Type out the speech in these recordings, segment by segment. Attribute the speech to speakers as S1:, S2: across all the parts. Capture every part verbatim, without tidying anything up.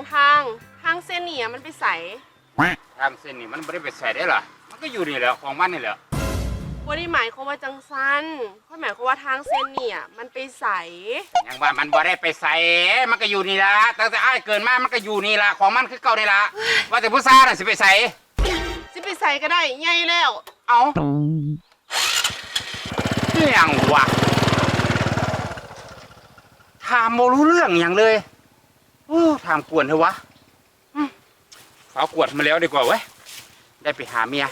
S1: ทางทางเส้นนี่มันไปใส่
S2: ทางเส้นนี่มันไม่ได้ไปใส่ได้หรอมันก็อยู่นี่แหละของมันนี่แหละ
S1: ว่าได้หมายความว่าจังซันเขาหมายความว่าทางเส้นนี่มันไปใส่
S2: ยังว่ามันบ่ได้ไปใส่มันก็อยู่นี่ละตั้งแต่อ้ายเกินมามันก็อยู่นี่ละของมันคือเก่านี่ละว่าแต่ผู้ซ่าน่ะสิไปใส่
S1: สิไปใส่ก็ได้ใหญ่แล้ว
S2: เอาเรื่องวะถามโมรู้เรื่องอย่างเลยโอ้ถามกวนเถอะวะฝากวดมาแล้วดีกว่าเว้ยได้ไปหาเมีย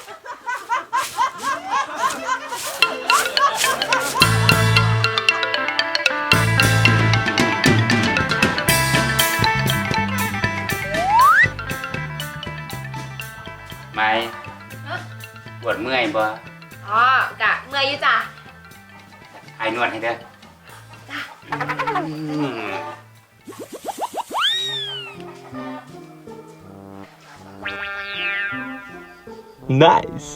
S2: ไม่ปวดเมื่อยบ่
S3: อ๋อกะเมื่อยอยู่จ้ะ
S2: ไอ้นวดให้เด้อ
S3: จ้ะ
S4: Nice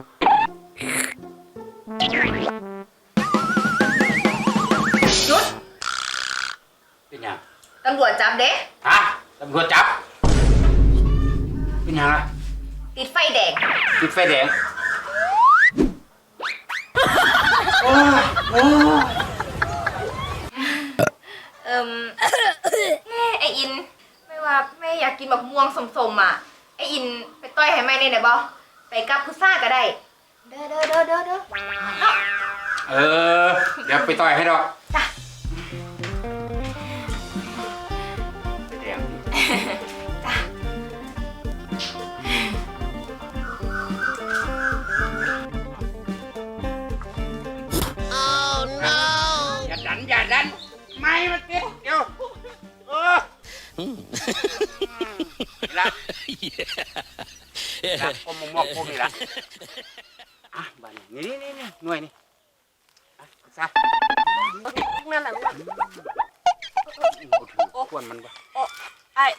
S3: หยุด
S2: เป็นยัง
S3: ตำรวจจับเด้
S2: ฮะตำรวจจับเป็นยังอะ
S3: ติดไฟแดง
S2: ติดไฟแดงโอ้ยโอ้ย
S3: เอิ่มแม่ไออินไม่ว่าแม่อยากกินแบบม่วงสมๆอ่ะไออินไปต้อยให้แม่ได้ไหนบ่ไปกับพุซ่าก็ได้เด้อเด้อเด้อเด้อเด้อ
S2: เออเดี๋ยวไปต่อยให้ดอก
S3: จ้ะ
S2: ไฟแดง
S3: จ้ะ
S2: อย่าดันอย่าดันไม่มันติดเดี๋ยวเออนี่ละละอมมอกพวกนี้ละอ่ะบ้านนี่นี่นี่หน่วยนี่อ่ะซะ
S1: นั่นแหละ
S2: โอ้ถือควนมันปะ
S1: โอ้ไอ้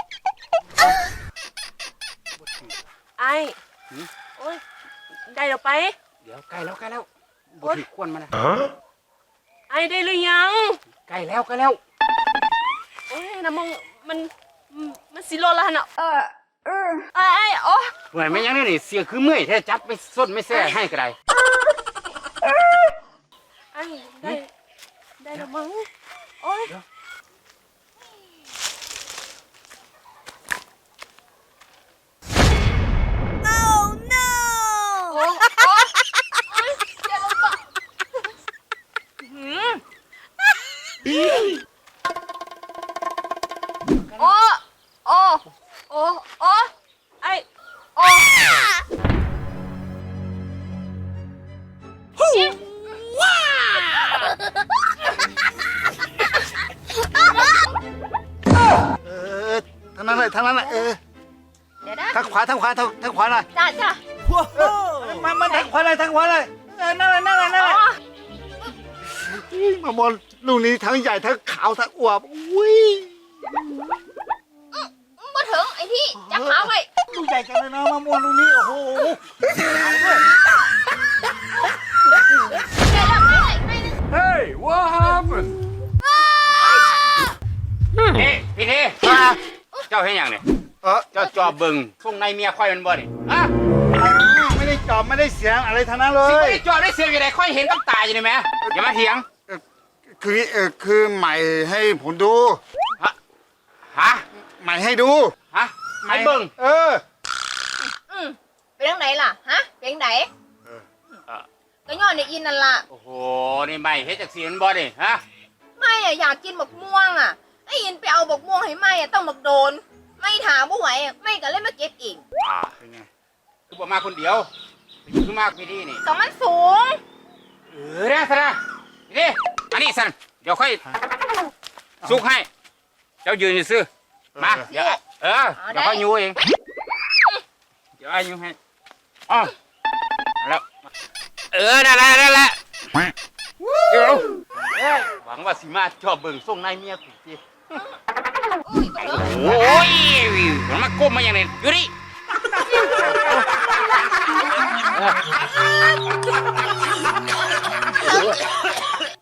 S1: ไอ้โอ้ยได้เดี๋ยวไป
S2: เดี๋ยวใกล้แล้วใกล้แล้วบถือควนมันนะ
S1: ไอ้ได้หรือยัง
S2: ใกล้แล้วใกล้แล้ว
S1: โอ้ยนะมึงมันมันสิโลละเนาะเออเออไอ้ไอ้โอ้
S2: เหมือนไม่ยังนี่เสียคือเมื่อยแท้จับไม่ส้นไม่แซ่ให้ก็ได้
S1: ไอ้ได้ได้แล้วมึงโอ้ยโอ้โอ้โอ้โอ้ไอโอ้ว้า
S5: เออทางนั้นเลยทางนั้นเลยเออ
S3: เดี๋ยวนะ
S5: ทางขวาทางขวาทางทางขวาเลย
S3: จ้าจ้า
S5: มามาทางขวาเลยทางขวาเลยเออนั่นเลยนั่นเลยนั่นเลยมามอนลูกนี้ทั้งใหญ่ทั้งขาวทั้งอวบอุ้ย
S3: มาถึงไอ้ที่จับขาไว้
S5: ลูกใหญ่กันเลยนะมามอนลูกนี้โอ้โห
S2: เฮ้ย what happened เฮ้พี่เท่เจ้าเห็นอย่างเนี่ย
S5: เออ
S2: เจ้าจอบบึงส่งในเมียค่อยมันบ่ดิฮะ
S5: ไม่ได้จอบไม่ได้เสียงอะไรทั้งนั้นเล
S2: สิไม่
S5: ย
S2: ได้จอบได้เสียงอยู่ไหนค่อยเห็นกับตาอยู่นี่ไหมอย่ามาเถียง
S5: คือเออคือใหม่ให้ผมดู
S2: ฮะฮะ
S5: ใหม่ให้ดู
S2: ฮะใหม่เบิ่ง
S5: เออ
S3: อืมเป็นยังไงล่ะฮะเป็นยังไงก็ย้อนในอินนั่นล่ะ
S2: โอ้โหนี่ใหม่เฮ็ดจากสีมันบ่ดิฮะ
S3: ไม่อะอยากกินบักม่วงอะไอ้อินไปเอาบักม่วงให้ไม่อะต้องบักโดนไม่ถามบ่ไหวอะไม่ก็เลยมาเก็บเอง
S2: อ่าเป็นไงคือบ่มาคนเดียวคือมาพี่ดีนี่
S3: ก็มันสูง
S2: เออนะสนะนี่อันนี้สันเดี๋ยวค่อยซุกให้เจ้ายืนอยู่ซื่อมาเดี๋ยวเออเดี๋ยวค่อยยูเองเดี๋ยวไอ้ยูให้อ๋อแล้วเออได้แล้วได้แล้วเดี๋ยวหวังว่าสิมาชอบเบิ่งส่งนายเมียกูสิโอ้ยมันมาก้มมาอย่างนี้อยู่ดิ